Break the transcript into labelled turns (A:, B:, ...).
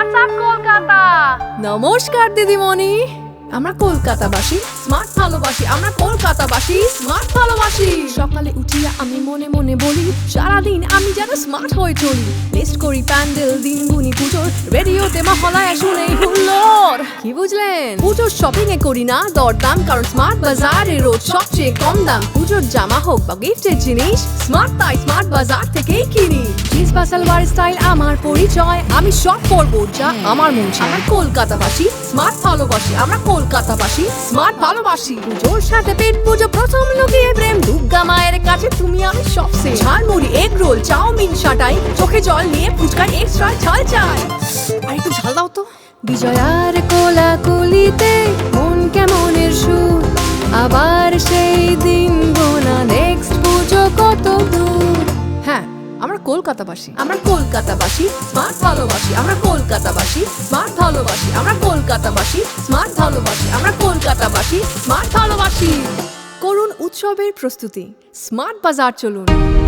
A: WhatsApp Kolkata.
B: নমস্কার দিদিমণি, আমরা কলকাতাবাসী, স্মার্ট ভালোবাসি। আমরা কলকাতাবাসী, স্মার্ট ভালোবাসি। সকালে উঠিয়া আমি মনে মনে বলি, সারাদিন আমি যেন স্মার্ট হয়ে চলি। লিস্ট করি প্যান্ডেল, দিনগুনি পুজোর, রেডিওতে মহলায় শুনেই হুল্লোড়। কি বুঝলেন? পুজোর শপিং এ করি না দরদাম, কারণ স্মার্ট বাজারে রোজ সবচেয়ে কম দাম। পুজোর জামা হোক বা গিফটের জিনিস, স্মার্ট তাই স্মার্ট বাজার থেকেই কিনি। জিন্স বা সালোয়ার স্টাইল আমার পরিচয়, আমি সব করবো যা আমার মন চায়। আমরা কলকাতাবাসী, স্মার্ট ভালোবাসি। আমরা কলকাতাবাসী, স্মার্ট ভালোবাসি। পুজোর সাথে পেট পুজো, প্রথম লুকিয়ে প্রেম, দুর্গা মায়ের কাছে তুমি আমি সবচেয়ে। ঝালমুড়ি, এগ রোল, চাউমিন সাটাই, চোখে জল নিয়ে ফুচকার এক্সট্রা ঝাল চাই। আর একটু ঝাল দাও তো। বিজয়ার কোলাকুলিতে মন কেমনের সুর, আবার সেই দিন গোনা, নেক্সট পুজো কত দূর। হ্যাঁ, আমরা কলকাতাবাসী। আমরা কলকাতাবাসী, স্মার্ট ভালোবাসি। আমরা কলকাতাবাসী, স্মার্ট ভালোবাসি। আমরা কলকাতাবাসী, স্মার্ট ভালোবাসি। আমরা কলকাতাবাসী, স্মার্ট ভালোবাসি। করুন উৎসবের প্রস্তুতি, স্মার্ট বাজার চলুন।